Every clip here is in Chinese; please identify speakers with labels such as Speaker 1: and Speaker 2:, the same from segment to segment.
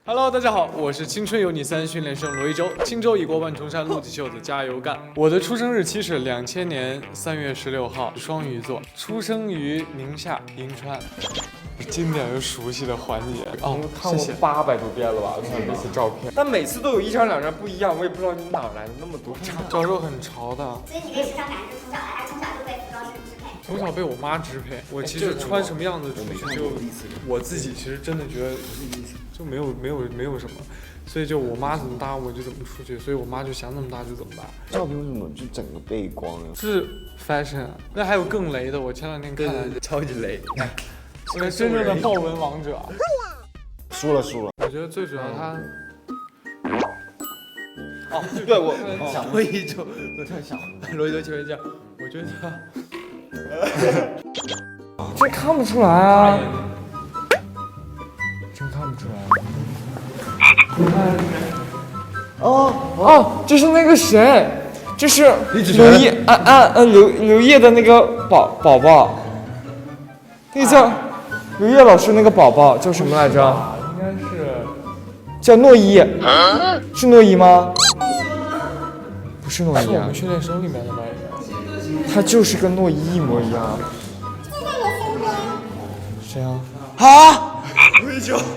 Speaker 1: Hello， 大家好，我是青春有你3训练生罗一舟。轻舟已过万重山，路起袖子加油干。我的出生日期是2000年3月16号，双鱼座，出生于宁夏银川。经典又熟悉的环节哦，
Speaker 2: 看过800多遍了吧？看这些照片，但每次都有一张两张不一样，我也不知道你哪来的那么多张。
Speaker 1: 赵肉很潮的，
Speaker 3: 所以你可以时常感知从小到大，从小就被服装师支配。
Speaker 1: 从小被我妈支配。我其实穿什么样子出去，就我自己其实真的觉得就没有什么，所以就我妈怎么搭我就怎么出去，所以我妈就想怎么搭就怎么搭。
Speaker 4: 照片为什么就整个背光呀？
Speaker 1: 是 fashion 啊，那还有更雷的，我前2天看了，
Speaker 2: 超级雷。
Speaker 1: 这个真正的豹纹王者。
Speaker 4: 输了。
Speaker 1: 我觉得最主要他。
Speaker 2: 哦，对我想罗一舟，我突然想罗一舟，请问一下，我觉得这看不出来啊，真看不出来。哦，这是那个谁，这是刘烨的那个宝宝，那个叫刘烨老师那个宝宝叫什么来着？
Speaker 1: 应该是
Speaker 2: 叫诺一，是诺一吗？不是诺
Speaker 1: 是
Speaker 2: 一啊，
Speaker 1: 我们训练生里面的吗？
Speaker 2: 他就是跟诺一一模一样。谁啊？罗一舟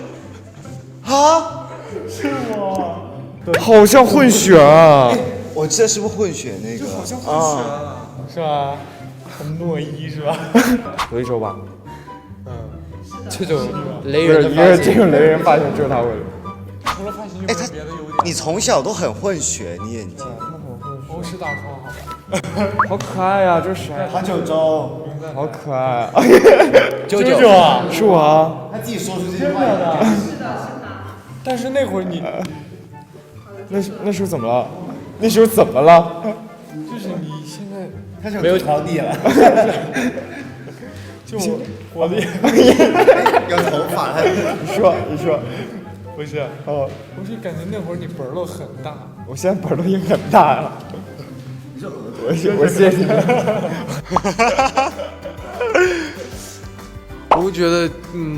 Speaker 2: 是我，好像混血啊。
Speaker 4: 我这是不是混血那个？
Speaker 2: 好像混血啊，
Speaker 1: 是吧？很诺一是吧？
Speaker 2: 罗一舟吧？
Speaker 1: 这种
Speaker 2: 雷人的发型，这种雷人发型只有他会。
Speaker 1: 除了发型就没有别的优点。
Speaker 4: 你从小都很混血，你眼睛。
Speaker 1: 欧式大窗好。
Speaker 2: 好可爱呀，这是谁？
Speaker 4: 韩九州，
Speaker 2: 好可爱。
Speaker 1: 九九啊，
Speaker 2: 是我啊。
Speaker 4: 他自己说出这句话的。
Speaker 1: 但是那会儿你
Speaker 2: 那时候怎么了？那时候怎么了？
Speaker 1: 就是你现在
Speaker 4: 他是没有调地了，
Speaker 1: 就我的
Speaker 4: 有头发。
Speaker 2: 你说，
Speaker 1: 不是
Speaker 2: 哦，
Speaker 1: 我是感觉那会儿你本儿都很大。
Speaker 2: 我现在本儿都已经很大了。我谢谢你。
Speaker 1: 我会觉得，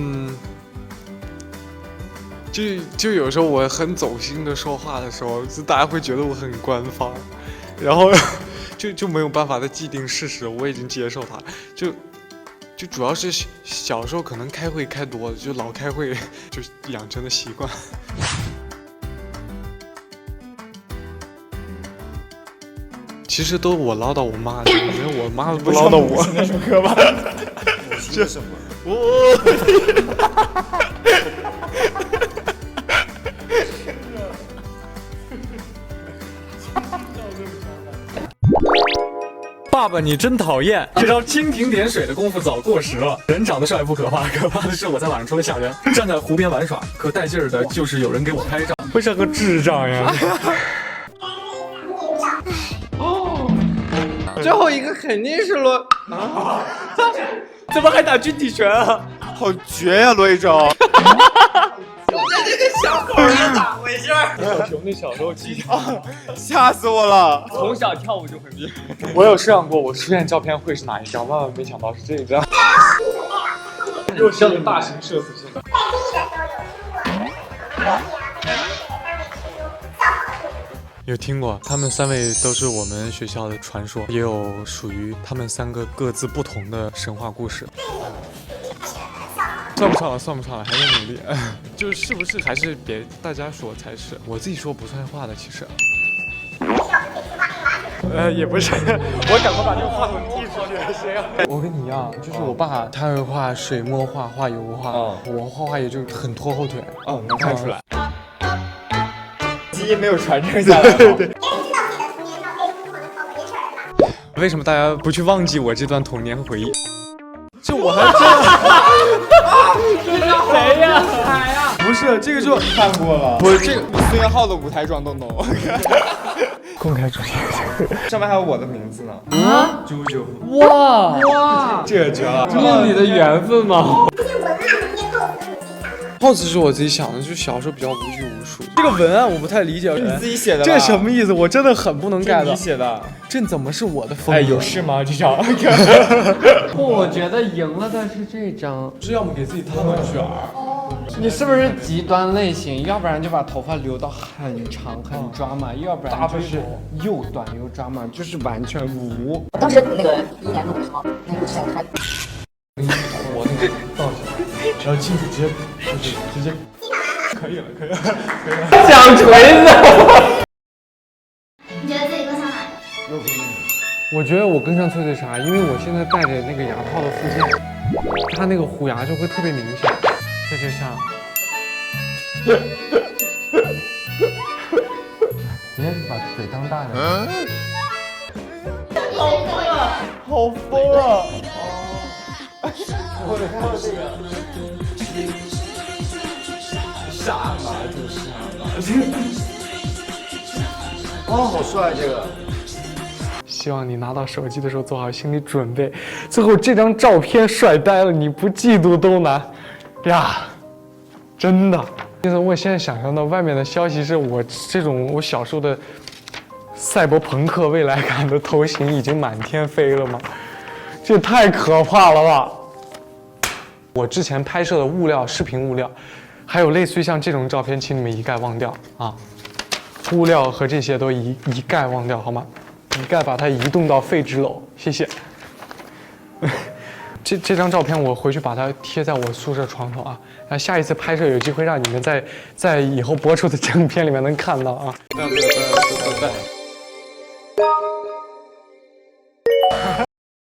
Speaker 1: 就有时候我很走心的说话的时候，就大家会觉得我很官方，然后就没有办法的既定事实，我已经接受它，就主要是小时候可能开会开多了，就老开会，就养成的习惯。其实都我唠叨我妈的，没有我妈不唠叨我。
Speaker 2: 那首歌吧。
Speaker 4: 这什么？
Speaker 1: 爸爸，你真讨厌！这招蜻蜓点水的功夫早过时了。人长得帅不可怕，可怕的是我在晚上除了吓人，站在湖边玩耍，可带劲儿的就是有人给我拍照，会像个智障呀。
Speaker 2: 最后一个肯定是罗啊！怎么还打军体拳啊？好绝呀，罗一舟！这个小狗是咋回事？
Speaker 1: 小熊那小时候记
Speaker 2: 吓死我了！
Speaker 1: 从小跳舞就很厉害。我有设想过我出现照片会是哪一张，万万没想到是这一张。又是大型社死性。有听过，他们3位都是我们学校的传说，也有属于他们3个各自不同的神话故事。算不上了，还在努力。就是不是还是别大家说才是，我自己说不算话的，其实。也不是，我赶快把这个话筒递出去，谁啊？我跟你一样，就是我爸他会画水墨画、画油画，我画画也就很拖后腿。
Speaker 2: 哦，能看出来。基因没有传承下来。对。
Speaker 1: 为什么大家不去忘记我这段童年和回忆？就我还真这是谁呀？海呀？
Speaker 2: 不是，这个就看过了。不是这个孙元浩的舞台装都懂。
Speaker 1: 公开主题，
Speaker 2: 上面还有我的名字呢。
Speaker 1: 啊，
Speaker 2: 啾啾。
Speaker 1: 哇，
Speaker 2: 这个绝了。
Speaker 1: 这是你的缘分吗？pose 是我自己想的，就小时候比较无拘无束。这个文案我不太理解，
Speaker 2: 你自己写的？
Speaker 1: 这什么意思？我真的很不能 get。
Speaker 2: 你写的？
Speaker 1: 这怎么是我的风格？
Speaker 2: 哎，有事吗？这张？
Speaker 5: 不，我觉得赢了的是这张。
Speaker 1: 是要么给自己烫个卷儿，
Speaker 2: 你是不是极端类型？要不然就把头发留到很长很抓马，要不然就是又短又抓马，就是完全无。
Speaker 5: 当时那个1年录的时候，那个小孩。
Speaker 1: 我那个造型，然后镜子直接，可以了。
Speaker 2: 响锤子。
Speaker 3: 你觉得自己更像哪个？
Speaker 1: 我觉得我更像脆脆鲨，因为我现在戴着那个牙套的附件，它那个虎牙就会特别明显，这就像。你也是把嘴张大点。
Speaker 2: 好疯啊！
Speaker 4: 或者看到这个，
Speaker 2: 傻嘛就是。
Speaker 4: 哦，好帅这个。
Speaker 1: 希望你拿到手机的时候做好心理准备，最后这张照片帅呆了，你不嫉妒都难呀！真的。我现在想象到外面的消息是我这种我小时候的赛博朋克未来感的头型已经满天飞了吗？这太可怕了吧！我之前拍摄的物料、视频物料，还有类似于像这种照片，请你们一概忘掉啊！物料和这些都一概忘掉好吗？一概把它移动到废纸篓，谢谢。这张照片我回去把它贴在我宿舍床头啊，然后下一次拍摄有机会让你们在以后播出的正片里面能看到啊。对。